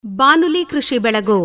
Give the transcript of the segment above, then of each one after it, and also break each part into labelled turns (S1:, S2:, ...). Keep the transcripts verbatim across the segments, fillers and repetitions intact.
S1: ಬಾನುಲಿ ಕೃಷಿ ಬೆಳಗು.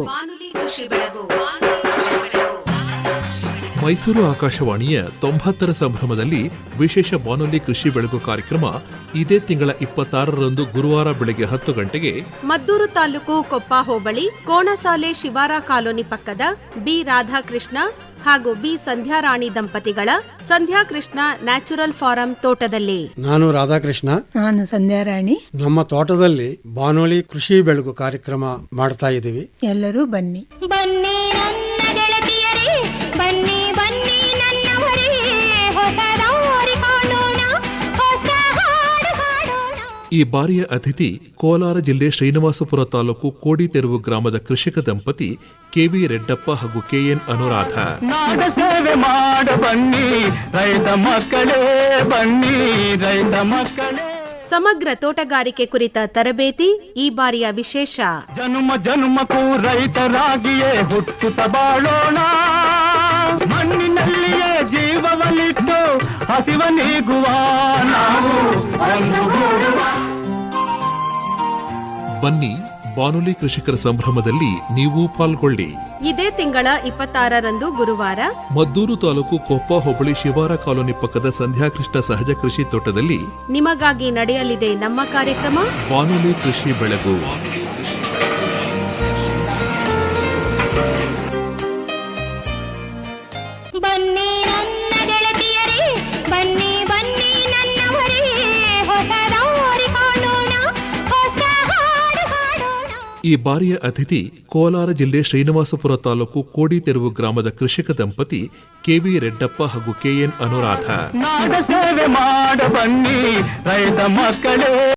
S2: ಮೈಸೂರು ಆಕಾಶವಾಣಿಯ ತೊಂಬತ್ತರ ಸಂಭ್ರಮದಲ್ಲಿ ವಿಶೇಷ ಬಾನುಲಿ ಕೃಷಿ ಬೆಳಗು ಕಾರ್ಯಕ್ರಮ ಇದೇ ತಿಂಗಳ ಇಪ್ಪತ್ತಾರರಂದು ಗುರುವಾರ ಬೆಳಗ್ಗೆ ಹತ್ತು ಗಂಟೆಗೆ
S1: ಮದ್ದೂರು ತಾಲೂಕು ಕೊಪ್ಪ ಹೋಬಳಿ ಕೋಣಸಾಲೆ ಶಿವಾರ ಕಾಲೋನಿ ಪಕ್ಕದ ಬಿ ರಾಧಾಕೃಷ್ಣ ಹಾಗೂ ಬಿ ಸಂಧ್ಯಾರಾಣಿ ದಂಪತಿಗಳ ಸಂಧ್ಯಾಕೃಷ್ಣ ನ್ಯಾಚುರಲ್ ಫಾರಂ ತೋಟದಲ್ಲಿ.
S3: ನಾನು ರಾಧಾಕೃಷ್ಣ,
S4: ನಾನು ಸಂಧ್ಯಾರಾಣಿ.
S3: ನಮ್ಮ ತೋಟದಲ್ಲಿ ಬಾನುಲಿ ಕೃಷಿ ಬೆಳಗು ಕಾರ್ಯಕ್ರಮ ಮಾಡ್ತಾ ಇದ್ದೀವಿ.
S4: ಎಲ್ಲರೂ ಬನ್ನಿ
S5: ಬನ್ನಿ ನನ್ನ ಗೆಳತಿಯರೇ, ಬನ್ನಿ ಬನ್ನಿ ನನ್ನವರೇ, ಹೊಸ ದಾರಿ ಕಾಣೋಣ, ಹೊಸ ಹಾಡು ಹಾಡೋಣ.
S2: ಈ ಬಾರಿಯ ಅತಿಥಿ ಕೋಲಾರ ಜಿಲ್ಲೆ ಶ್ರೀನಿವಾಸಪುರ ತಾಲೂಕು ಕೋಡಿತೆರುವು ಗ್ರಾಮದ ಕೃಷಿಕ ದಂಪತಿ ಕೆವಿ ರೆಡ್ಡಪ್ಪ ಹಾಗೂ ಕೆಎನ್ ಅನುರಾಧ.
S6: ನಾಡ ಸೇವೆ ಮಾಡ ಬನ್ನಿ ರೈತ ಮಕ್ಕಳೇ, ಬನ್ನಿ ರೈತ ಮಕ್ಕಳೇ.
S1: ಸಮಗ್ರ ತೋಟಗಾರಿಕೆ ಕುರಿತ ತರಬೇತಿ ಈ ಬಾರಿಯ ವಿಶೇಷ.
S6: ಜನುಮ ಜನುಮಕ್ಕೂ ರೈತರಾಗಿಯೇ ಹುಟ್ಟುತ್ತ ಬಾಳೋಣ, ಮಣ್ಣಿನಲ್ಲಿಯೇ ಜೀವವನ್ನಿಟ್ಟು ಹಸಿವ ನೀಗುವ ನಾವು ಒಂದುಗೂಡುವ.
S2: ಬನ್ನಿ ಬಾನುಲಿ ಕೃಷಿಕರ ಸಂಭ್ರಮದಲ್ಲಿ ನೀವು ಪಾಲ್ಗೊಳ್ಳಿ.
S1: ಇದೇ ತಿಂಗಳ ಇಪ್ಪತ್ತಾರರಂದು ಗುರುವಾರ
S2: ಮದ್ದೂರು ತಾಲೂಕು ಕೊಪ್ಪ ಹೋಬಳಿ ಶಿವಾರ ಕಾಲೋನಿ ಪಕ್ಕದ ಸಂಧ್ಯಾಕೃಷ್ಣ ಸಹಜ ಕೃಷಿ ತೋಟದಲ್ಲಿ
S1: ನಿಮಗಾಗಿ ನಡೆಯಲಿದೆ ನಮ್ಮ ಕಾರ್ಯಕ್ರಮ
S2: ಬಾನುಲಿ ಕೃಷಿ ಬೆಳಗು.
S5: ಬನ್ನಿ ನನ್ನ ಗೆಳತಿಯರೇ, ಬನ್ನಿ ಬನ್ನಿ ನನ್ನವರೇ, ಹೊಸ ದಾರಿ ಕಾಣೋಣ, ಹೊಸ ಹಾಡು ಹಾಡೋಣ.
S2: ಈ ಬಾರಿಯ ಅತಿಥಿ ಕೋಲಾರ ಜಿಲ್ಲೆ ಶ್ರೀನಿವಾಸಪುರ ತಾಲೂಕು ಕೋಡಿತೆರುವು ಗ್ರಾಮದ ಕೃಷಿಕ ದಂಪತಿ ಕೆವಿ ರೆಡ್ಡಪ್ಪ ಹಾಗೂ ಕೆಎನ್ ಅನುರಾಧ.
S6: ನಾಡ ಸೇವೆ ಮಾಡ ಬನ್ನಿ ರೈತ ಮಕ್ಕಳೇ.